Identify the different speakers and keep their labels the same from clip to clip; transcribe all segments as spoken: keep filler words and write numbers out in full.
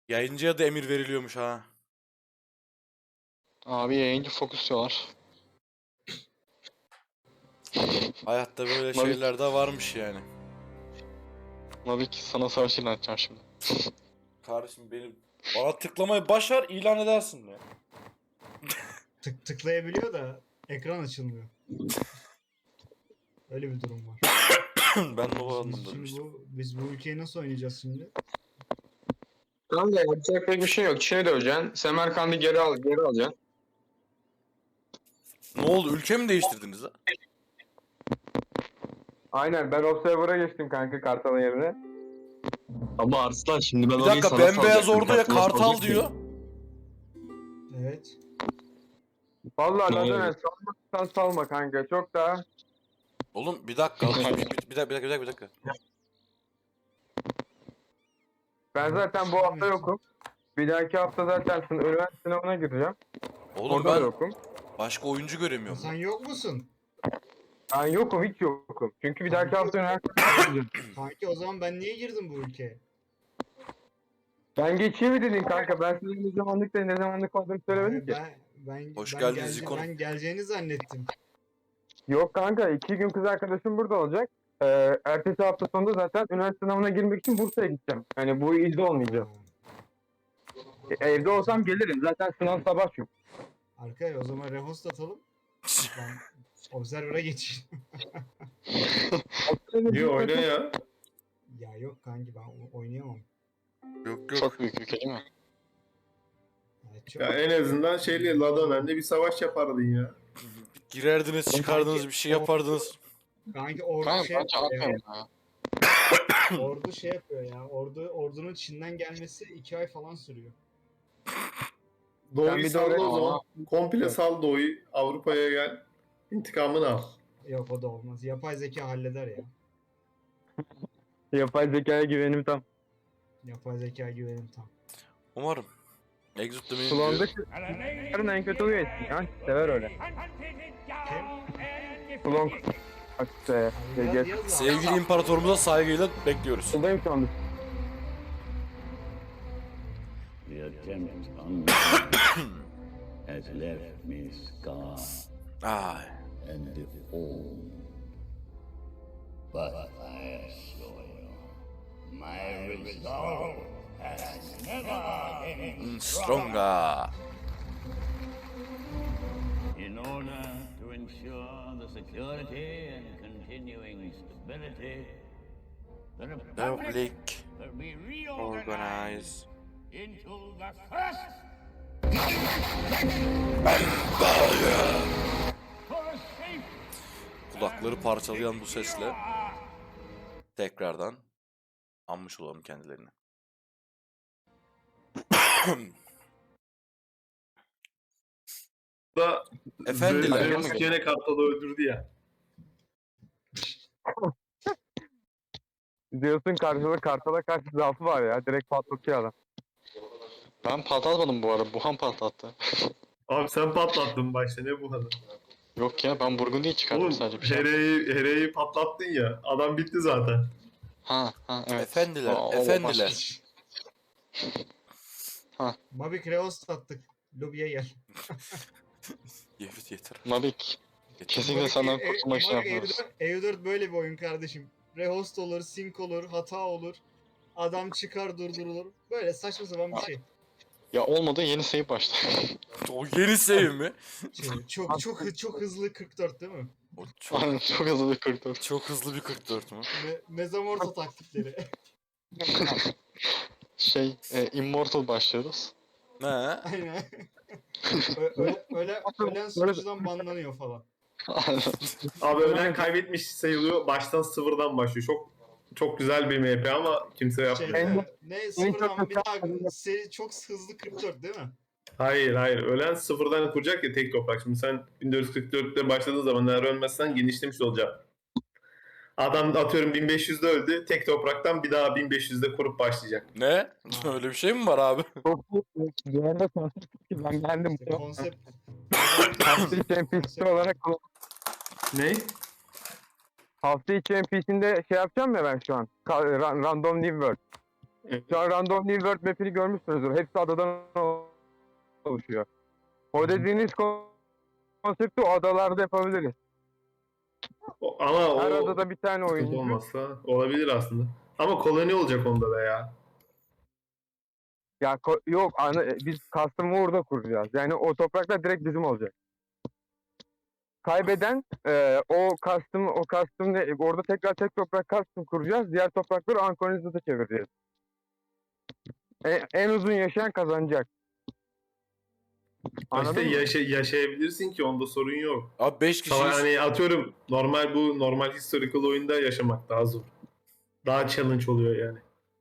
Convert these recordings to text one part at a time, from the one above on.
Speaker 1: Yayıncıya da emir veriliyormuş ha.
Speaker 2: Abi yayıncı fokus diyorlar.
Speaker 1: Hayatta böyle
Speaker 2: Mavik.
Speaker 1: şeyler de varmış yani.
Speaker 2: Mavik sana savaş ilan edeceğim şimdi.
Speaker 1: Kardeşim benim bana tıklamayı başar ilan edersin ya.
Speaker 3: Tık tıklayabiliyor da ekran açılmıyor. Öyle bir durum var.
Speaker 1: Ben de o
Speaker 3: Biz,
Speaker 1: anlamda
Speaker 3: şimdi
Speaker 1: demiştim.
Speaker 3: bu, biz bu ülkeyi nasıl oynayacağız şimdi?
Speaker 2: Tamam da yapacak pek bir şey yok. Çin'i döveceksin. Semerkand'ı geri al, geri alacaksın.
Speaker 1: Ne oldu? Ülke mi değiştirdiniz ha?
Speaker 4: Aynen ben Observer'a geçtim kanka Kartal'ın yerine.
Speaker 2: Ama Arslan şimdi ben
Speaker 1: Bir
Speaker 2: orayı
Speaker 1: dakika
Speaker 2: sana
Speaker 1: bembeyaz
Speaker 2: salacaktım.
Speaker 1: orduya
Speaker 2: Kartal'a
Speaker 1: kartal
Speaker 2: salacaktım.
Speaker 1: diyor.
Speaker 3: Evet.
Speaker 4: Vallahi
Speaker 2: Ne
Speaker 4: Ladone
Speaker 2: oldu?
Speaker 4: salmaksan salma kanka çok daha.
Speaker 1: Oğlum bir dakika. Bir, bir, bir, bir dakika bir dakika bir dakika.
Speaker 4: Ben zaten bu hafta yokum. Bir dahaki hafta zaten sın- üniversite sınavına gireceğim.
Speaker 1: Oğlum
Speaker 4: Orada da
Speaker 1: ben
Speaker 4: yokum.
Speaker 1: başka oyuncu göremiyorum.
Speaker 3: Sen yok musun?
Speaker 4: Ben yokum hiç yokum. Çünkü bir dahaki hafta üniversite sınavına gireceğim.
Speaker 3: Kanki o zaman ben niye girdim bu ülkeye?
Speaker 4: Ben geçeyim mi dedin kanka? Ben size ne zamanlık da ne zamanlık olduğunu söylemedim
Speaker 3: Abi
Speaker 4: ki.
Speaker 3: ben ben
Speaker 1: Hoş
Speaker 3: ben,
Speaker 1: geldiniz
Speaker 3: gelce-
Speaker 1: Zikon'um.
Speaker 3: ben geleceğini zannettim.
Speaker 4: Yok kanka iki gün kız arkadaşım burada olacak. Ee, ertesi hafta sonunda zaten üniversite sınavına girmek için Bursa'ya gideceğim. Hani bu ilde olmayacağım. E, evde olsam gelirim. Zaten sınav sabah çünkü.
Speaker 3: Arkadaşlar o zaman rehost atalım. Ben Observer'a geçeyim.
Speaker 5: İyi oyna ya.
Speaker 3: Ya yok kanki ben o- oynayamam.
Speaker 1: Yok yok.
Speaker 2: Çok büyük ülke değil mi?
Speaker 3: Evet, çok...
Speaker 5: Ya en azından şeyle Ladone'le bir savaş yapardın ya.
Speaker 1: Girerdiniz çıkardınız bir şey yapardınız.
Speaker 3: Kanki ordu
Speaker 2: Kanka
Speaker 3: şey
Speaker 2: bence
Speaker 3: yapıyor ya.
Speaker 2: atmayın ya.
Speaker 3: Ordu şey yapıyor ya. Ordu ordunun Çin'den gelmesi iki ay falan sürüyor.
Speaker 4: Sen
Speaker 5: Doğu'yu
Speaker 4: bir de
Speaker 5: salla
Speaker 4: oraya-
Speaker 5: o zaman. Komple sal Doğu'yu. Avrupa'ya gel. İntikamını al.
Speaker 3: Yok o da olmaz. Yapay zeka halleder ya.
Speaker 4: Yapay zekaya güvenim tam.
Speaker 3: Yapay zeka güvenim tam.
Speaker 1: Umarım. Exit demeyi
Speaker 4: Slon'da
Speaker 1: diyor.
Speaker 4: yarın en kötü huyu etsin ya. Sever öyle. Slon bak işte.
Speaker 3: Abi,
Speaker 4: Geç.
Speaker 3: yaz- yaz abi.
Speaker 1: Sevgili imparatorumuza saygıyla bekliyoruz.
Speaker 4: Buradayım şu anda.
Speaker 6: The attempt on me has left me scarred
Speaker 1: Ay.
Speaker 6: and deformed. But I assure you, my resolve has never been
Speaker 1: Stronga.
Speaker 6: In order to ensure the security and continuing stability, the Republic
Speaker 1: Republic.
Speaker 6: will be
Speaker 1: Organize.
Speaker 6: reorganized into the first for a safe
Speaker 1: Kulakları parçalayan bu sesle tekrardan anmış olalım kendilerini.
Speaker 5: Da
Speaker 1: Efendiler.
Speaker 5: Zeus gene Kartal'ı öldürdü ya.
Speaker 4: Zeus'un karşılığı Kartal'a karşı zaafı var ya. Direkt patlatıyor adam.
Speaker 2: Ben patlatmadım bu arada. Buhan patlattı.
Speaker 5: Abi sen patlattın başta ne bu hanım?
Speaker 2: Yok ya ben Burgundy'yi çıkardım
Speaker 5: Oğlum
Speaker 2: sadece bir şey.
Speaker 5: Here'yi Here'yi patlattın ya. Adam bitti zaten.
Speaker 2: Ha ha evet.
Speaker 1: Efendiler,
Speaker 2: O- o
Speaker 1: efendiler.
Speaker 2: başka-
Speaker 3: Mavik rehost attık. Lobiye gel.
Speaker 1: Evet yeter.
Speaker 2: Mavik.
Speaker 1: Yeter.
Speaker 2: Kesinlikle
Speaker 3: Mavik,
Speaker 2: senden
Speaker 3: e- e-
Speaker 2: kurtulmak için
Speaker 3: Mavik
Speaker 2: yapıyoruz.
Speaker 3: E V dört, E V dört böyle bir oyun kardeşim. Rehost olur, sync olur, hata olur. Adam çıkar durdurulur. Böyle saçma sapan bir şey.
Speaker 2: Ya olmadı yeni save başla.
Speaker 1: O yeni save mi?
Speaker 3: Şey, çok çok hı- çok hızlı kırk dört değil mi?
Speaker 1: O çok,
Speaker 2: Aynen çok hızlı bir kırk dört.
Speaker 1: çok hızlı bir kırk dört mü?
Speaker 3: Me Mezamorto taktikleri.
Speaker 2: Şey e, Immortal başlıyoruz.
Speaker 1: Ne?
Speaker 3: Aynen. Ö öle öle ölen sunucudan banlanıyor falan.
Speaker 2: Aynen.
Speaker 5: Abi ölen kaybetmiş sayılıyor. Baştan sıfırdan başlıyor. Çok çok güzel bir M P ama kimse
Speaker 3: Şey,
Speaker 5: yapmıyor.
Speaker 3: değil
Speaker 4: En-
Speaker 3: mi? Ne
Speaker 4: en
Speaker 3: sıfırdan
Speaker 4: çok
Speaker 3: bir daha seri çok hızlı kırk dört değil mi?
Speaker 5: Hayır hayır. Ölen sıfırdan kuracak ya tek toprak. Şimdi sen bin dört yüz kırk dörtte başladığın zaman eğer ölmezsen genişlemiş olacak. Adam atıyorum bin beş yüzde öldü. Tek topraktan bir daha bin beş yüzde kurup başlayacak.
Speaker 1: Ne? Öyle bir şey mi var abi?
Speaker 4: Çok iyi. Dünyada konsept ki ben geldim.
Speaker 3: İşte konsept.
Speaker 4: Hafta içi N P C olarak
Speaker 5: Ne?
Speaker 4: hafta içi N P C'inde şey yapacağım ya ben şu an. Ka- ra- Random New World. Şu an Random New World map'ini görmüşsünüzdür. Hepsi adadan oluşuyor. O dediğiniz konsepti o adalarda yapabiliriz.
Speaker 5: O- Ama
Speaker 4: Her
Speaker 5: o
Speaker 4: adada bir tane
Speaker 5: sıkıntı
Speaker 4: oyuncu.
Speaker 5: olmazsa olabilir aslında. Ama koloni olacak onda da ya.
Speaker 4: Ya ko- yok ana, biz custom'ı orada kuracağız. Yani o topraklar direkt bizim olacak. Kaybeden e, o custom o custom ne, orada tekrar tek toprak custom kuracağız. Diğer toprakları Anchorage çevireceğiz. En, en uzun yaşayan kazanacak.
Speaker 5: Ha İşte
Speaker 4: Anladın mı?
Speaker 5: yaşa- yaşayabilirsin ki onda sorun yok.
Speaker 1: Abi beş
Speaker 5: Ama
Speaker 1: kişiyiz.
Speaker 5: hani atıyorum normal bu normal historical oyunda yaşamak daha zor. Daha challenge oluyor yani.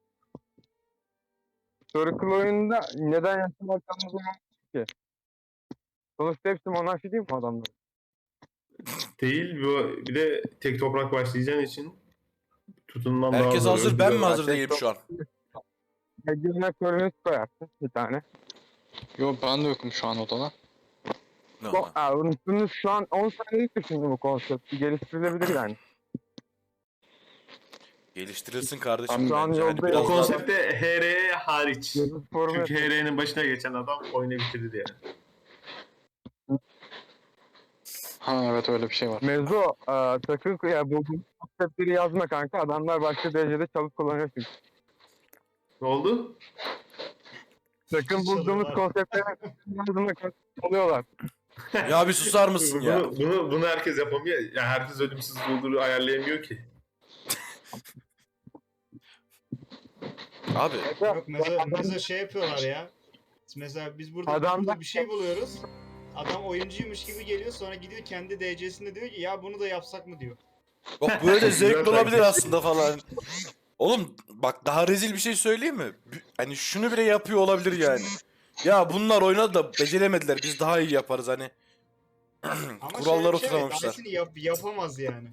Speaker 4: Historical oyunda neden yaşamaktan o zaman ki? Sonuçta hepsi monarşi değil mi adamlar?
Speaker 5: Değil bu bir de tek toprak başlayacağın için tutunman daha
Speaker 1: Herkes
Speaker 5: zor.
Speaker 1: hazır. Ben mi
Speaker 5: Öldürüyorlar.
Speaker 1: hazır değilim şu an?
Speaker 4: Ege'ne kolonist koyarsın bir tane.
Speaker 7: Yo ben de yokum şu an odada.
Speaker 1: Ne
Speaker 4: Bu,
Speaker 1: lan?
Speaker 4: aa, unuttunuz şu an on saniyelik düşündüm bu konsepti. Geliştirilebilir yani.
Speaker 1: Geliştirilsin kardeşim.
Speaker 4: Şu an
Speaker 1: bence. Hani
Speaker 4: yolda-
Speaker 5: O
Speaker 1: biraz daha-
Speaker 5: konsepte H R hariç.
Speaker 4: Yazı formu
Speaker 5: Çünkü H R'nin başına geçen adam oyunu bitirdi yani.
Speaker 7: Ha evet öyle bir şey var.
Speaker 4: Mevzu e, sakın ya bu bu konseptleri yazma kanka. Adamlar başka derecede çalıp kullanıyor çünkü.
Speaker 5: Ne oldu?
Speaker 4: Sakın bulduğumuz
Speaker 3: Çalıyorlar.
Speaker 4: konseptleri yazma oluyorlar.
Speaker 1: Ya bir susar mısın ya?
Speaker 5: Bunu, bunu, bunu herkes yapamıyor. Ya herkes ölümsüz bulduğunu ayarlayamıyor ki.
Speaker 1: Abi
Speaker 3: Yok mesela, mesela şey yapıyorlar ya. Mesela biz burada,
Speaker 4: Adam-
Speaker 3: burada bir şey buluyoruz. Adam oyuncuymuş gibi geliyor sonra gidiyor kendi D C'sinde diyor ki ya bunu da yapsak mı diyor.
Speaker 1: bak böyle de zevkli
Speaker 5: Güzel
Speaker 1: olabilir
Speaker 5: taktik.
Speaker 1: aslında falan. Oğlum bak daha rezil bir şey söyleyeyim mi? B- Hani şunu bile yapıyor olabilir yani. Ya bunlar oynadı da beceremediler. Biz daha iyi yaparız hani.
Speaker 3: Ama
Speaker 1: Kurallar
Speaker 3: şöyle bir şey var,
Speaker 1: oturamamışlar.
Speaker 3: Daha iyisini yap, yapamaz yani.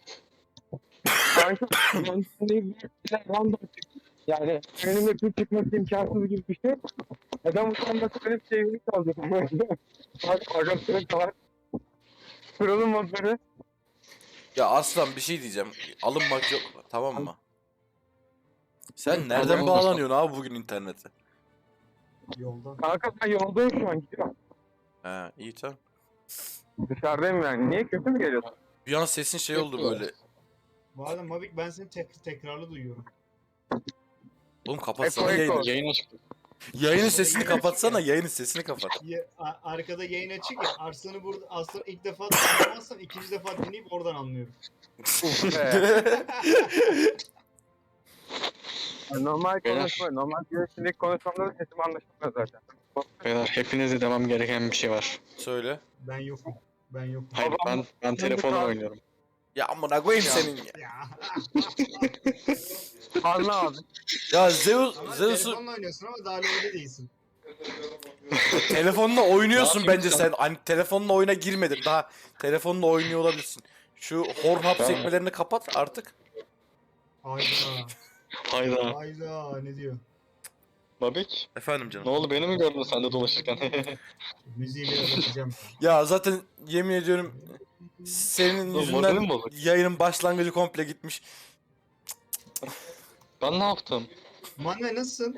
Speaker 4: Kanka ben şimdi random çıktı. Yani önümde bir çıkması imkansız gibi bir şey. Adam utanması benim sevgili kalacak. Bak arkadaşlarım var. Kuralım modları.
Speaker 1: Ya aslan bir şey diyeceğim. Alınmak yok tamam mı? Sen nereden
Speaker 7: Tamam.
Speaker 1: bağlanıyorsun abi bugün internete?
Speaker 3: Yoldan.
Speaker 4: Kanka ben yoldayım şu an gidiyorum.
Speaker 1: He iyi tamam.
Speaker 4: Dışarıdayım yani. Niye kötü mü geliyorsun?
Speaker 1: Bir an sesin şey oldu böyle.
Speaker 3: Bu arada Mavik ben seni tek, tekrarlı duyuyorum.
Speaker 1: Oğlum kapatsana
Speaker 4: Eko, eko.
Speaker 1: yayını.
Speaker 7: Yayın açık.
Speaker 1: Yayının sesini kapatsana. Yayının sesini kapat.
Speaker 3: Ya, a- arkada yayın açık ya. Arslan'ı burada Arslan'ı ilk defa anlamazsan ikinci defa dinleyip oradan anlıyorum.
Speaker 4: Normal
Speaker 7: Beyler.
Speaker 4: konuşma. Normal görüşündeki konuşmamda da sesim anlaşılmıyor zaten.
Speaker 7: Beyler hepinize demem gereken bir şey var.
Speaker 1: Söyle.
Speaker 3: Ben yokum. Ben yokum.
Speaker 7: Hayır ben ben telefonla oynuyorum.
Speaker 1: Ya amına koyayım senin ya.
Speaker 3: Ya.
Speaker 4: Anla abi.
Speaker 1: Ya Zeus,
Speaker 3: Ama
Speaker 1: Zeus'u
Speaker 3: telefonla oynuyorsun ama daha öyle değilsin.
Speaker 1: telefonla oynuyorsun
Speaker 7: Ne
Speaker 1: bence
Speaker 7: yapayım
Speaker 1: sen. Hani telefonla oyuna girmedin. Daha telefonla oynuyor olabilirsin. Şu Pornhub
Speaker 7: Tamam.
Speaker 1: sekmelerini kapat artık.
Speaker 3: Hayda.
Speaker 7: Hayda.
Speaker 3: Hayda ne diyor?
Speaker 7: Babik
Speaker 1: Efendim
Speaker 7: ne
Speaker 1: canım.
Speaker 7: oldu beni mi gördün sen de dolaşırken?
Speaker 3: Müziği biraz açacağım.
Speaker 1: Ya zaten yemin ediyorum senin
Speaker 7: Oğlum,
Speaker 1: yüzünden
Speaker 7: moralim bozuk.
Speaker 1: yayının başlangıcı komple gitmiş.
Speaker 7: Ben ne yaptım?
Speaker 3: Manve nasılsın?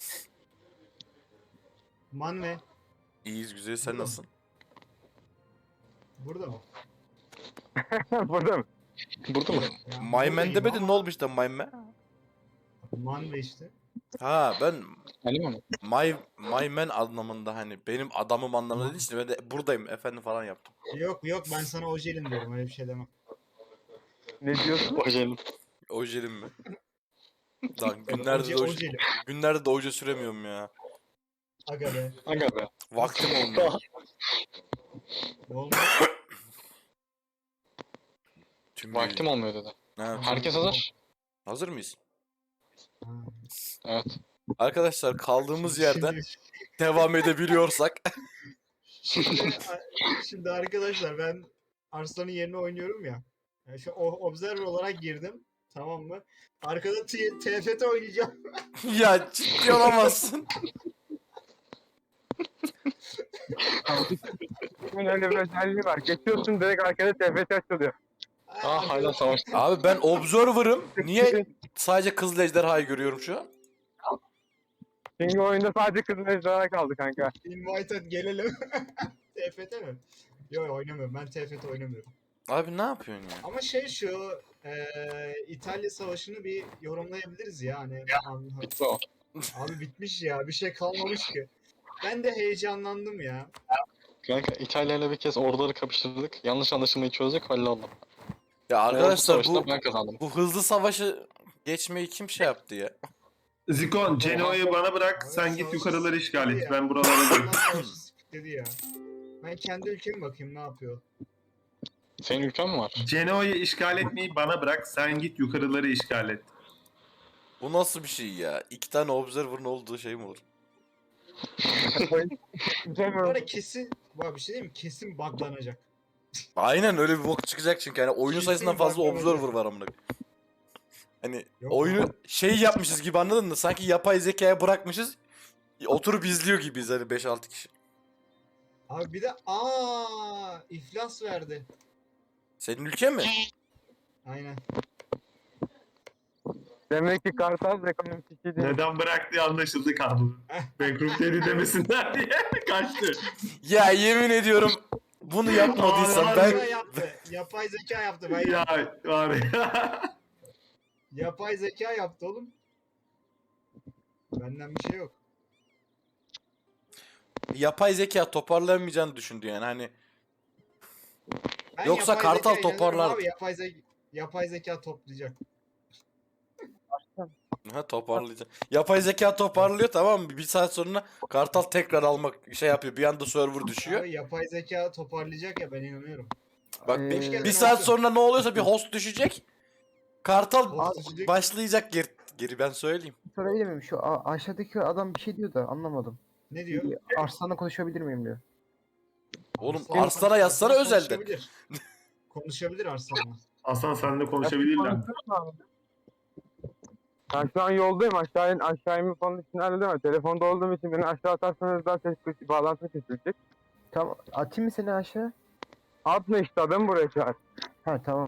Speaker 3: Manve.
Speaker 1: İyiyiz güzel sen nasılsın?
Speaker 3: Burada mı?
Speaker 4: Burada mı?
Speaker 7: Burada mı?
Speaker 3: Ya,
Speaker 1: Maymen
Speaker 3: buradayım
Speaker 1: demedin
Speaker 3: ama
Speaker 1: ne olmuş da Maymen?
Speaker 3: Manve işte.
Speaker 1: Ha ben
Speaker 7: Anime mi?
Speaker 1: My, my man anlamında hani benim adamım anlamında değil işte ben de buradayım efendim falan yaptım.
Speaker 3: Yok yok ben sana ojelim diyorum öyle bir şey demem.
Speaker 4: Ne diyorsun?
Speaker 7: Ojelim.
Speaker 1: Ojelim mi? Lan günlerde
Speaker 3: Oje,
Speaker 1: de oje,
Speaker 3: ojelim.
Speaker 1: günlerde de oje süremiyorum ya.
Speaker 3: Aga be.
Speaker 7: Aga be.
Speaker 1: Vaktim olmuyor.
Speaker 3: Olmuyor.
Speaker 1: Tüm
Speaker 7: Vaktim olmuyor dedi.
Speaker 1: Ha,
Speaker 7: Herkes hazır.
Speaker 1: hazır mıyız?
Speaker 3: Ha.
Speaker 7: Evet.
Speaker 1: Arkadaşlar kaldığımız yerden
Speaker 3: Şimdi,
Speaker 1: devam edebiliyorsak.
Speaker 3: şimdi, şimdi arkadaşlar ben Arslan'ın yerine oynuyorum ya. Yani şu o- observer olarak girdim. Tamam mı? Arkada T- TFT oynayacağım.
Speaker 1: Ya ciddi olamazsın.
Speaker 4: Bunun öyle bir özelliği var. Geçiyorsun direkt arkada T F T açılıyor.
Speaker 7: Aa hala savaş.
Speaker 1: Abi ben observer'ım. Niye sadece Kızıl Ejderha'yı görüyorum şu an?
Speaker 4: Çünkü oyunda sadece kızıl ejderha kaldı kanka.
Speaker 3: Invited gelelim. T F T mi? Yok oynamıyorum. Ben T F T oynamıyorum.
Speaker 1: Abi ne yapıyorsun ya?
Speaker 3: Ama şey şu eee, İtalya Savaşı'nı bir yorumlayabiliriz ya. Hani, an-
Speaker 7: Bitti o.
Speaker 3: abi bitmiş ya. Bir şey kalmamış ki. Ben de heyecanlandım ya.
Speaker 7: Kanka İtalya ile bir kez orduları kapıştırdık. Yanlış anlaşılmayı çözdük, halloldu.
Speaker 1: Ya
Speaker 7: Ordu
Speaker 1: arkadaşlar
Speaker 7: savaşında
Speaker 1: bu
Speaker 7: ben kazandım.
Speaker 1: bu hızlı savaşı geçmeyi kim şey yaptı ya?
Speaker 5: Zikon, Genoa'yı bana bırak.
Speaker 3: Abi
Speaker 5: Sen
Speaker 3: savaşı
Speaker 5: git yukarıları işgal
Speaker 3: sıkıntı
Speaker 5: et.
Speaker 3: ya.
Speaker 5: Ben buralara
Speaker 3: Allah
Speaker 5: gelip.
Speaker 3: Savaşı dedi ya. Ben kendi ülkeme bakayım ne yapıyor.
Speaker 7: Senin ülken mi var?
Speaker 5: Genoa'yı işgal etmeyi bana bırak. Sen git yukarıları işgal et.
Speaker 1: Bu nasıl bir şey ya? İki tane observer'ın olduğu şey mi olur?
Speaker 3: Bu arada kesin, bak bir şey diyeyim mi? Kesin buglanacak.
Speaker 1: Aynen öyle bir bok çıkacak çünkü hani oyunun
Speaker 3: Kesin
Speaker 1: sayısından fazla
Speaker 3: bakmadım.
Speaker 1: observer var amına. Hani
Speaker 3: Yok
Speaker 1: oyunu şey yapmışız gibi anladın mı? Sanki yapay zekaya bırakmışız. Oturup izliyor gibiyiz hani beş altı kişi.
Speaker 3: Abi bir de aa iflas verdi.
Speaker 1: Senin ülken mi?
Speaker 3: Aynen.
Speaker 4: Demek ki Kartal ekonomik iki değil.
Speaker 5: Neden bıraktığı anlaşıldı kaldı. Bankrupt demesinler diye kaçtı.
Speaker 1: Ya yemin ediyorum bunu yapmadıysam
Speaker 5: Aa,
Speaker 1: ben
Speaker 3: Zeka yaptı. Yapay zeka yaptı. Ben
Speaker 5: Ya
Speaker 3: yaptım.
Speaker 5: var ya.
Speaker 3: Yapay zeka yaptı oğlum. Benden bir şey yok.
Speaker 1: yapay zeka toparlayamayacağını düşündü yani hani.
Speaker 3: Ben
Speaker 1: Yoksa
Speaker 3: yapay
Speaker 1: Kartal
Speaker 3: zekaya inanıyorum
Speaker 1: toparlardı.
Speaker 3: Abi, yapay, ze yapay zeka toplayacak.
Speaker 1: Ha toparlayacak. Yapay zeka toparlıyor tamam mı? Bir saat sonra Kartal tekrar almak şey yapıyor. Bir anda server düşüyor.
Speaker 3: Abi yapay zeka toparlayacak ya ben inanıyorum.
Speaker 1: Bak
Speaker 4: Ee,
Speaker 1: bir,
Speaker 3: Hoş geldin
Speaker 1: bir saat
Speaker 3: Orçun.
Speaker 1: sonra ne oluyorsa bir host düşecek. Kartal
Speaker 3: Host düşecek.
Speaker 1: başlayacak geri, geri ben söyleyeyim.
Speaker 8: Sorabilir miyim? Şu a- aşağıdaki adam bir şey diyor da anlamadım.
Speaker 3: Ne diyor?
Speaker 8: Bir Arslan'la konuşabilir miyim diyor.
Speaker 1: Oğlum
Speaker 3: Arslan-
Speaker 1: Arslan'a yazsana
Speaker 3: Arslan
Speaker 1: özelden.
Speaker 3: Konuşabilir. Konuşabilir Arslan'la.
Speaker 5: Hasan seninle konuşabilirler.
Speaker 4: Ben şu an yoldayım. Aşağı in, aşağı inme falan için halledemem. Telefonda olduğum için beni aşağı atarsanız daha ses kıs- bağlantı kesilecek.
Speaker 8: Tamam. Atayım mı seni aşağı?
Speaker 4: Atma işte adamı buraya çağır.
Speaker 8: Ha tamam.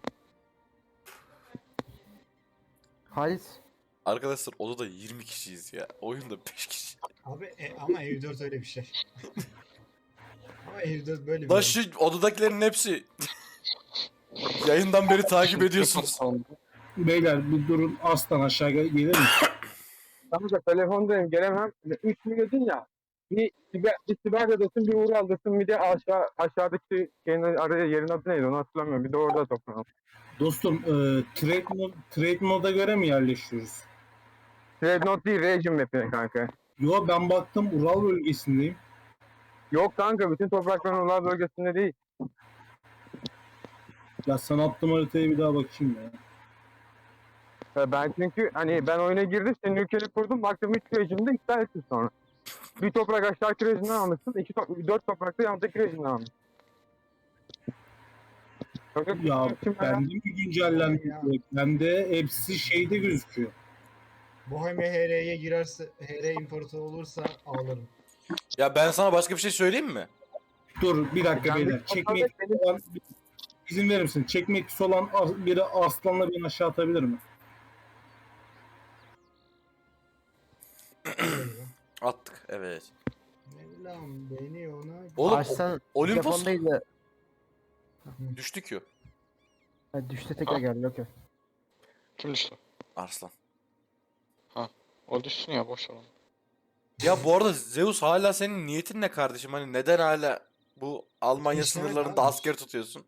Speaker 8: Halis.
Speaker 1: Arkadaşlar odada yirmi kişiyiz ya. Oyunda beş kişi.
Speaker 3: Abi e, ama Ev dört öyle bir şey. Ama Ev dört böyle bir
Speaker 1: Lan
Speaker 3: oyun.
Speaker 1: şu odadakilerin hepsi yayından beri takip ediyorsunuz.
Speaker 9: Beyler bir durun aslan aşağı gel- gelir mi?
Speaker 4: Kanka telefondayım gelemem. üç milyon ya. Bir siber, bir siber adasın bir uğur aldasın bir de aşağı aşağıdaki şeyin araya yerin adı neydi onu hatırlamıyorum. Bir de orada toplanalım.
Speaker 9: Dostum e, trade, mod, trade moda göre mi yerleşiyoruz?
Speaker 4: Dreadnought değil Region map'ine kanka.
Speaker 9: Yo ben baktım Ural bölgesindeyim.
Speaker 4: Yok kanka bütün toprakların Ular bölgesinde değil.
Speaker 9: Ya sana attığım haritaya bir daha bakayım ya.
Speaker 4: Ya ben çünkü hani ben oyuna girdim senin ülkeni kurdum baktım üç region'da iptal ettim sonra. Bir toprak aşağıdaki region'dan almışsın, iki top dört toprak da yanındaki region'dan almışsın. Yok yok.
Speaker 9: Ya
Speaker 4: Şimdi
Speaker 9: bende mi güncellendi?
Speaker 3: Ya.
Speaker 9: Bende hepsi şeyde gözüküyor.
Speaker 3: Bohemia H R'ye girerse, H R imparator olursa ağlarım.
Speaker 1: Ya ben sana başka bir şey söyleyeyim mi?
Speaker 9: Dur bir dakika
Speaker 4: Ben
Speaker 9: beyler.
Speaker 4: bir-
Speaker 9: Çekme etkisi olan izin verir misin? Çekme etkisi olan as- biri aslanla beni aşağı atabilir mi?
Speaker 1: Attık evet.
Speaker 3: Mevlam beni ona...
Speaker 1: Oğlum
Speaker 8: Arslan
Speaker 1: Olympus-
Speaker 8: telefondaydı.
Speaker 1: düştük ya.
Speaker 8: Ha, düştü tekrar geldi. Okey.
Speaker 7: Kim düştü?
Speaker 1: Arslan.
Speaker 7: O düşsün ya, boş ver onu.
Speaker 1: Ya bu arada Zeus hala senin niyetin ne kardeşim? Hani neden hala bu Almanya
Speaker 3: İşlemek
Speaker 1: sınırlarında
Speaker 3: abi.
Speaker 1: asker tutuyorsun?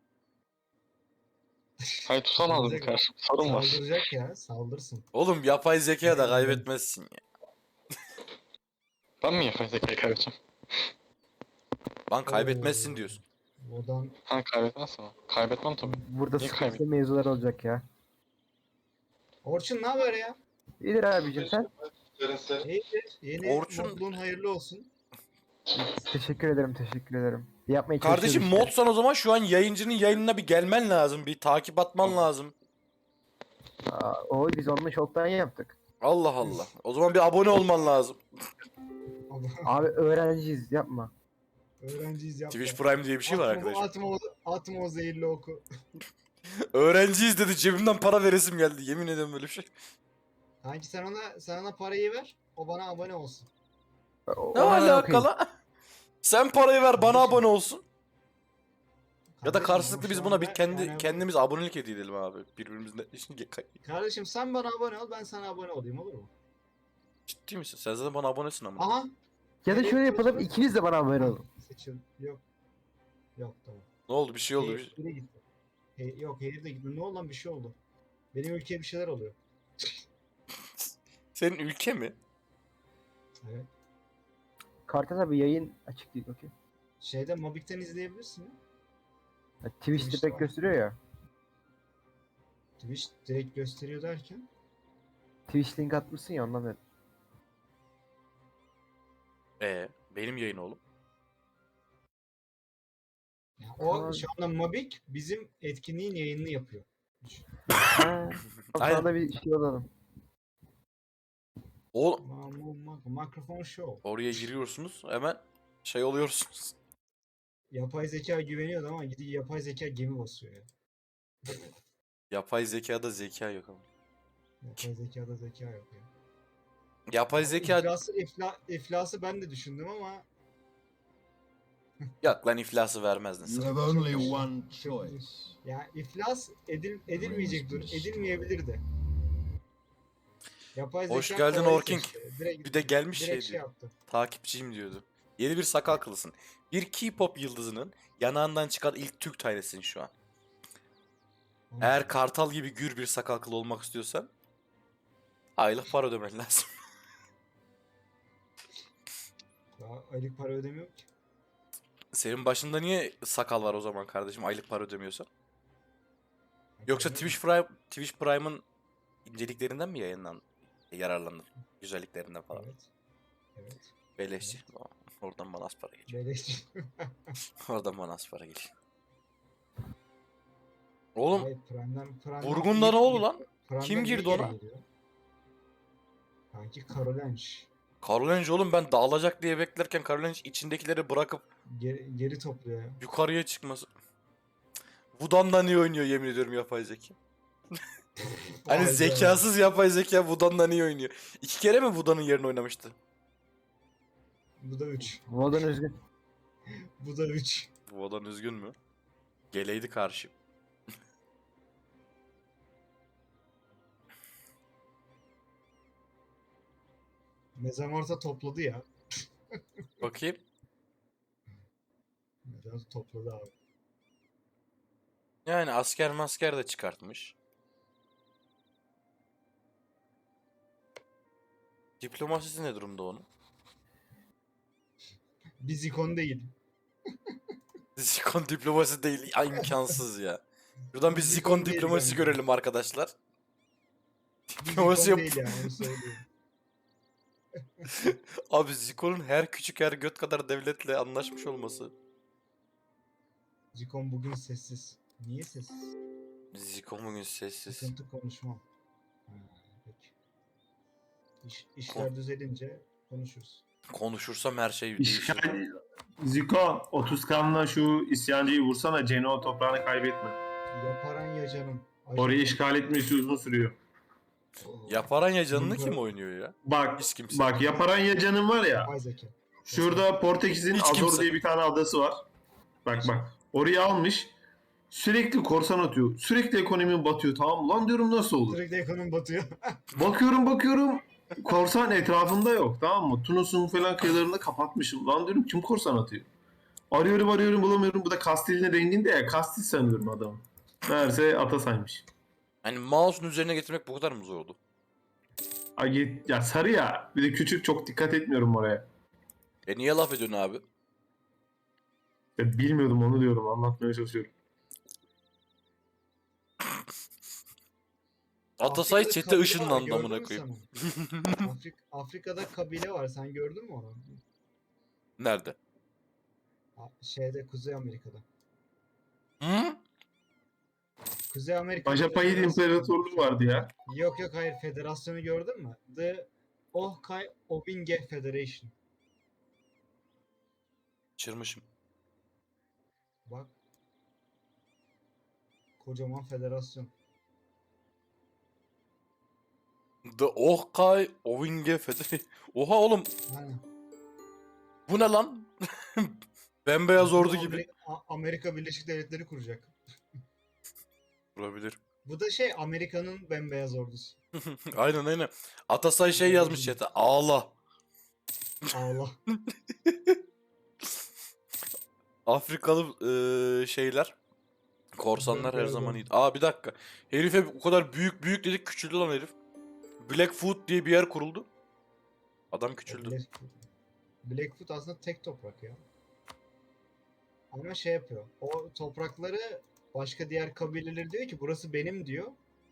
Speaker 7: Hayır tutamadım
Speaker 3: Saldıracak-
Speaker 7: karşı. Sorun var.
Speaker 3: Saldıracak ya saldırsın.
Speaker 1: Oğlum yapay zeka da kaybetmezsin ya.
Speaker 7: Ben mi yapay zekayı kaybedeceğim?
Speaker 1: Lan kaybetmezsin
Speaker 3: Oo.
Speaker 1: diyorsun.
Speaker 3: Odan
Speaker 7: Ha kaybetmezsem o. Kaybetmem tabii.
Speaker 8: Burada
Speaker 7: Niye
Speaker 8: sıkıntı
Speaker 7: kaybettin?
Speaker 8: mevzular olacak ya.
Speaker 3: Orçun ne haber ya?
Speaker 8: İyidir abicim sen.
Speaker 3: İyidir. Yeni
Speaker 1: Orçun-
Speaker 3: modluğun hayırlı olsun.
Speaker 8: Teşekkür ederim teşekkür ederim. Yapmaya
Speaker 1: Kardeşim
Speaker 8: çalışıyoruz işte.
Speaker 1: modsan o zaman şu an yayıncının yayınına bir gelmen lazım. Bir takip atman lazım.
Speaker 8: Aa, oy biz onu çoktan yaptık.
Speaker 1: Allah Allah. O zaman bir abone olman lazım.
Speaker 8: Abi öğrenciyiz yapma.
Speaker 3: Öğrenciyiz yapma.
Speaker 1: Twitch Prime diye bir şey var
Speaker 3: Atma-
Speaker 1: arkadaşlar.
Speaker 3: Atma, o, atma o zehirli oku.
Speaker 1: Öğrenciyiz dedi cebimden para veresim geldi. Yemin ederim böyle bir şey.
Speaker 3: Kanki sen ona, sen ona parayı ver. O bana abone olsun.
Speaker 8: O-
Speaker 1: Ne
Speaker 8: ona da okuyayım.
Speaker 1: alakalı? Sen parayı ver bana
Speaker 3: Kardeşim.
Speaker 1: abone olsun. Ya da
Speaker 3: Kardeşim,
Speaker 1: karşılıklı
Speaker 3: ama
Speaker 1: biz
Speaker 3: şu
Speaker 1: buna bir
Speaker 3: anda
Speaker 1: kendi
Speaker 3: yani bu-
Speaker 1: kendimiz abonelik hediye edelim abi. Birbirimizle.
Speaker 3: Kardeşim sen bana abone ol, ben sana abone olayım, olur mu?
Speaker 1: Ciddi misin? Sen zaten bana abonesin ama.
Speaker 3: Aha.
Speaker 8: Ya da
Speaker 3: Nereye
Speaker 8: şöyle yapalım,
Speaker 3: konuşalım?
Speaker 8: ikiniz de bana abone olun.
Speaker 3: Seçil. Yok. Yok, tamam.
Speaker 1: Ne oldu? Bir şey oldu.
Speaker 3: Hey,
Speaker 1: Bir...
Speaker 3: biri gitti. Hey, yok, Hayır de gitti. Ne oldu lan, bir şey oldu. Benim ülkeye bir şeyler oluyor.
Speaker 1: Senin ülke mi?
Speaker 3: Evet.
Speaker 8: Kartal abi yayın açık değil, okey.
Speaker 3: Şeyde Mobik'ten izleyebilirsin ya.
Speaker 8: Ya, Twitch'te
Speaker 3: Twitch'te
Speaker 8: pek
Speaker 3: var.
Speaker 8: gösteriyor ya.
Speaker 3: Twitch direkt gösteriyor derken.
Speaker 8: Twitch link atmışsın ya, ondan dedim.
Speaker 1: Ee, benim yayın oğlum.
Speaker 3: Ya o
Speaker 8: Tamam.
Speaker 3: şu anda Mobik bizim etkinliğin yayınını yapıyor.
Speaker 8: Ha,
Speaker 1: Aynen.
Speaker 8: sana da bir şey olalım.
Speaker 1: Oğlum
Speaker 3: Ma- ma- ma- Mikrofon show.
Speaker 1: oraya giriyorsunuz hemen şey oluyorsunuz.
Speaker 3: Yapay zeka güveniyordu ama gidiyor yapay zeka gemi basıyor ya.
Speaker 1: Yapay zekada zeka yok ama.
Speaker 3: Yapay zekada zeka yok ya.
Speaker 1: Yapay zeka
Speaker 3: İflası, ifla, iflası ben de düşündüm ama
Speaker 1: yok lan iflası vermezdin sen.
Speaker 6: have only one choice.
Speaker 3: ya iflas edil, edilmeyecek dur, edilmeyebilir de. Yapay
Speaker 1: Hoş
Speaker 3: zeka
Speaker 1: geldin
Speaker 3: kolayı
Speaker 1: Orking.
Speaker 3: seçti. Direkt,
Speaker 1: Bir de gelmiş
Speaker 3: direkt
Speaker 1: şey
Speaker 3: şey
Speaker 1: diyor.
Speaker 3: yaptı.
Speaker 1: Takipçiyim diyordu. Yeni bir sakal kılısın. Bir K-pop yıldızının yanağından çıkan ilk Türk tanesisin şu an. Eğer kartal gibi gür bir sakal kılı olmak istiyorsan aylık para ödemen lazım.
Speaker 3: Daha aylık para ödemiyor ki.
Speaker 1: Senin başında niye sakal var o zaman kardeşim aylık para ödemiyorsan? Yoksa Twitch Prime Twitch Prime'ın inceliklerinden mi yayınlandın? Yararlandın. Güzelliklerinden falan.
Speaker 3: Evet. Evet.
Speaker 1: Beleşçi. Oradan bana az para geliyor.
Speaker 3: Beleş.
Speaker 1: Oradan bana az para geliyor. Oğlum
Speaker 3: Hayır, Prime'den, Prime'den
Speaker 1: Vurgun'da
Speaker 3: iyi-
Speaker 1: ne oldu lan?
Speaker 3: Prime'den
Speaker 1: Kim
Speaker 3: iyi
Speaker 1: girdi
Speaker 3: geri
Speaker 1: ona?
Speaker 3: geliyor. Sanki Karolenç.
Speaker 1: Karolenge oğlum ben dağılacak diye beklerken Karolenge içindekileri bırakıp
Speaker 3: Geri, geri topluyor ya.
Speaker 1: yukarıya çıkması. Vudan'dan iyi oynuyor yemin ediyorum yapay zeka. Hani
Speaker 3: Hayda.
Speaker 1: zekasız yapay zeka Vudan'dan iyi oynuyor. İki kere mi Vudan'ın yerine oynamıştı?
Speaker 3: Bu da üç.
Speaker 8: Vodan üzgün.
Speaker 3: Bu da üç.
Speaker 1: Vudan üzgün mü? Geleydi karşı.
Speaker 3: Mezamorta topladı ya.
Speaker 1: Bakayım.
Speaker 3: Mezamorta topladı abi.
Speaker 1: Yani asker masker de çıkartmış. Diplomasisi ne durumda onun?
Speaker 3: Biz ikon değil.
Speaker 1: Zikon diplomasi değil. Ya, imkansız ya. Şuradan bir
Speaker 3: Zikon
Speaker 1: Zikon
Speaker 3: değil
Speaker 1: diplomasi
Speaker 3: bence.
Speaker 1: görelim arkadaşlar.
Speaker 3: Biz
Speaker 1: Diplomasi
Speaker 3: ikon
Speaker 1: yap.
Speaker 3: değil yani, onu söyleyeyim.
Speaker 1: Abi Zikon'un her küçük her göt kadar devletle anlaşmış olması.
Speaker 3: Zikon bugün sessiz. Niye sessiz?
Speaker 1: Zikon bugün sessiz.
Speaker 3: Sıkıntı konuşmam. Ha, peki. İş, işler düzelince konuşuruz.
Speaker 1: Konuşursam her şey değişir.
Speaker 5: İşgal... Ziko otuz kanla şu isyancıyı vursana, Ceno toprağını kaybetme.
Speaker 3: Yaparan ya canım.
Speaker 5: Orayı işgal etmesi uzun sürüyor.
Speaker 1: Yaparan ya canını kim oynuyor ya?
Speaker 5: Bak,
Speaker 1: Hiç kimse.
Speaker 5: bak yaparan ya canın var ya.
Speaker 3: Yapay zeka.
Speaker 5: Şurada Portekiz'in
Speaker 1: Hiç
Speaker 5: Azor
Speaker 1: kimse.
Speaker 5: diye bir tane adası var. Bak bak. Orayı almış. Sürekli korsan atıyor. Sürekli ekonomi batıyor, tamam mı? Lan diyorum nasıl olur?
Speaker 3: Sürekli ekonomi batıyor.
Speaker 5: Bakıyorum bakıyorum. Korsan etrafında yok, tamam mı? Tunus'un falan kıyılarında kapatmışım. Lan diyorum kim korsan atıyor? Arıyorum arıyorum bulamıyorum. Bu da Kastil'in renginde ya. Kastil sanıyorum adamı. Meğerse Atasay'mış.
Speaker 1: Hani mouse'un üzerine getirmek bu kadar mı zor oldu?
Speaker 5: Ay, ya sarı ya. Bir de küçük, çok dikkat etmiyorum oraya.
Speaker 1: E niye laf ediyorsun abi?
Speaker 5: Ya bilmiyordum, onu diyorum. Anlatmaya çalışıyorum.
Speaker 1: Atasay
Speaker 3: Afrika'da
Speaker 1: chat'e
Speaker 3: kabile var,
Speaker 1: ışınlandı
Speaker 3: gördün
Speaker 1: amına
Speaker 3: mü
Speaker 1: koyayım.
Speaker 3: sen onu? Afrik Afrika'da kabile var. Sen gördün mü onu?
Speaker 1: Nerede?
Speaker 3: Ha, Şeyde Kuzey Amerika'da.
Speaker 1: Hı?
Speaker 3: Kuzey Amerika'da.
Speaker 5: Bajapahit
Speaker 3: federasyon-
Speaker 5: İmparatorluğu vardı ya.
Speaker 3: Yok yok hayır, federasyonu gördün mü? The Ohkai Obinge Federation.
Speaker 1: Çırmışım.
Speaker 3: Bak. Kocaman federasyon.
Speaker 1: The Ohkai Ovinge Federi. Oha oğlum.
Speaker 3: Aynen.
Speaker 1: Bu ne lan? Bembeyaz ordu
Speaker 3: Bu
Speaker 1: gibi.
Speaker 3: Ameri- A- Amerika Birleşik Devletleri kuracak.
Speaker 1: Olabilir.
Speaker 3: Bu da şey Amerika'nın bembeyaz ordusu.
Speaker 1: Aynen aynen. Atasay şey yazmış chat'e. Ağla.
Speaker 3: Allah.
Speaker 1: Afrikalı eee, şeyler. Korsanlar her
Speaker 3: Bembeyaz
Speaker 1: zaman
Speaker 3: ordu.
Speaker 1: iyi. Aa bir dakika. Herife o kadar büyük büyük dedik küçüldü lan herif. Blackfoot diye bir yer kuruldu. Adam küçüldü.
Speaker 3: Blackfoot. Blackfoot aslında tek toprak ya. Ama şey yapıyor. O toprakları başka diğer kabileler diyor ki burası benim diyor.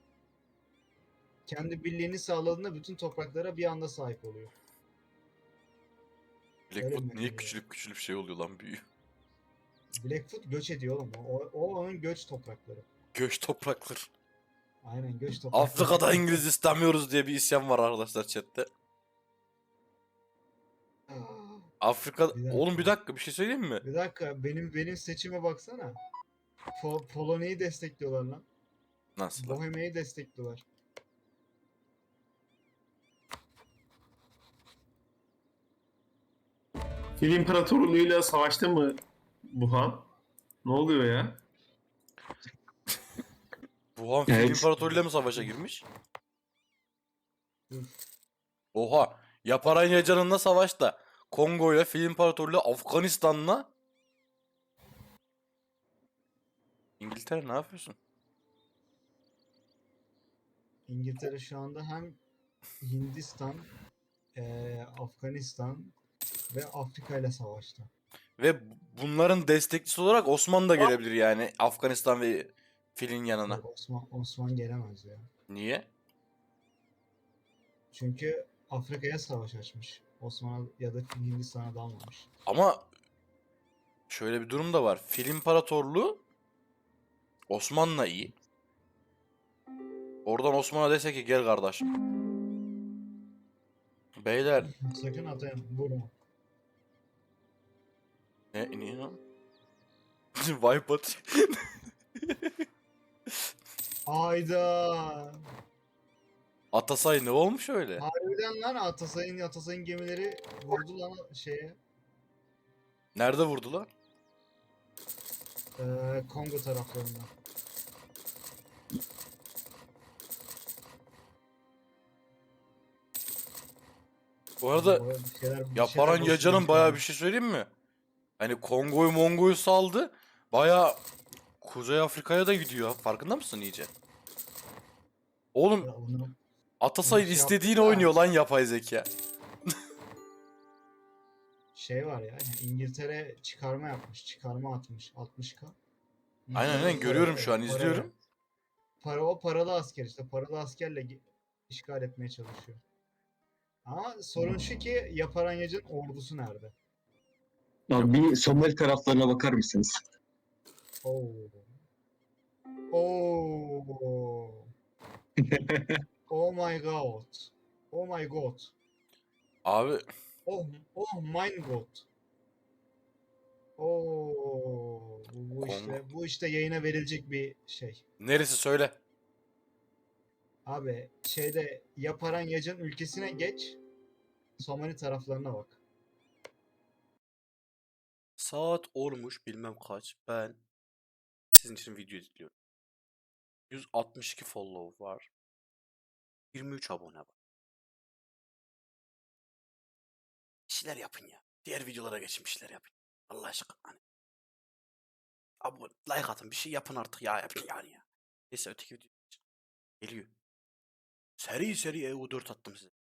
Speaker 3: Kendi birliğini sağladığında bütün topraklara bir anda sahip oluyor.
Speaker 1: Blackfoot
Speaker 3: Öyle mi?
Speaker 1: niye küçülüp küçülüp şey oluyor lan büyüyor.
Speaker 3: Blackfoot göç ediyor oğlum. O, o onun göç toprakları.
Speaker 1: Göç topraklar.
Speaker 3: Aynen göç toprakları.
Speaker 1: Afrika'da İngiliz istemiyoruz diye bir isyan var arkadaşlar chatte. Afrika...
Speaker 3: Bir dakika.
Speaker 1: Oğlum bir dakika bir şey söyleyeyim mi?
Speaker 3: Bir dakika benim benim seçime baksana. Po Polonya'yı destekliyorlar lan.
Speaker 1: Nasıl lan?
Speaker 3: Bohemia'yı destekliyorlar.
Speaker 5: Fil İmparatorluğu'yla savaştı mı Buhan? Ne oluyor ya?
Speaker 1: Wuhan Fil
Speaker 2: Evet.
Speaker 1: İmparatorluğu'yla mı savaşa girmiş?
Speaker 3: Hı.
Speaker 1: Oha. Yaparanyacan'ınla savaşta. Kongo'yla Fil İmparatorluğu Afganistan'la. İngiltere ne yapıyorsun?
Speaker 3: İngiltere şu anda hem Hindistan, eee, Afganistan ve Afrika ile savaşta.
Speaker 1: Ve bunların destekçisi olarak Osmanlı da gelebilir yani Afganistan ve Fil'in yanına.
Speaker 3: Yok, Osman Osman gelemez ya.
Speaker 1: Niye?
Speaker 3: Çünkü Afrika'ya savaş açmış. Osmanlı ya da Hindistan'a dalmamış.
Speaker 1: Ama şöyle bir durum da var. Fil İmparatorluğu Osmanlı'la iyi. Oradan Osman'a dese ki gel kardeşim. Beyler
Speaker 3: Sakın atayım, vurma.
Speaker 1: ne niye lan? Wipe at.
Speaker 3: Ayda.
Speaker 1: Atasay ne olmuş öyle?
Speaker 3: Harbiden lan Atasay'ın Atasay'ın gemileri vurdu lan şeye.
Speaker 1: Nerede vurdular?
Speaker 3: Eee Kongo taraflarında.
Speaker 1: Bu arada
Speaker 3: Bu bir şeyler- bir
Speaker 1: Yaparan
Speaker 3: şeyler
Speaker 1: Yacan'ın
Speaker 3: bozulmuş
Speaker 1: bayağı
Speaker 3: yani.
Speaker 1: bir şey söyleyeyim mi? Hani Kongo'yu Mongo'yu saldı. Bayağı Kuzey Afrika'ya da gidiyor. Farkında mısın iyice? Oğlum
Speaker 3: Ya onu-
Speaker 1: Atasay
Speaker 3: onu şey
Speaker 1: istediğini
Speaker 3: yaptı da-
Speaker 1: oynuyor lan yapay zeka.
Speaker 3: şey var ya yani İngiltere çıkarma yapmış. Çıkarma atmış. altmış K.
Speaker 1: Aynen aynen görüyorum şu an izliyorum.
Speaker 3: Para o paralı asker işte. Paralı askerle ge- işgal etmeye çalışıyor. Ama sorun şu ki Yaparanyacı'nın ordusu nerede?
Speaker 2: Abi bir Somali taraflarına bakar mısınız?
Speaker 3: Oo. Oo. Oh my god. Oh my god.
Speaker 1: Abi
Speaker 3: Oh, oh my god. Oo. Bu, bu işte bu işte yayına verilecek bir şey.
Speaker 1: neresi söyle.
Speaker 3: Abi şeyde Yaparanyacı'nın ülkesine geç. Somali taraflarına bak.
Speaker 1: Saat olmuş bilmem kaç. Ben sizin için video izliyorum. yüz altmış iki follow var. yirmi üç abone var. Bir şeyler yapın ya. Diğer videolara geçin bir şeyler yapın. Allah aşkına. Hani. Abone, like atın bir şey yapın artık ya. Yapın yani ya. Neyse öteki video geliyor. Seri seri E U dört attım size.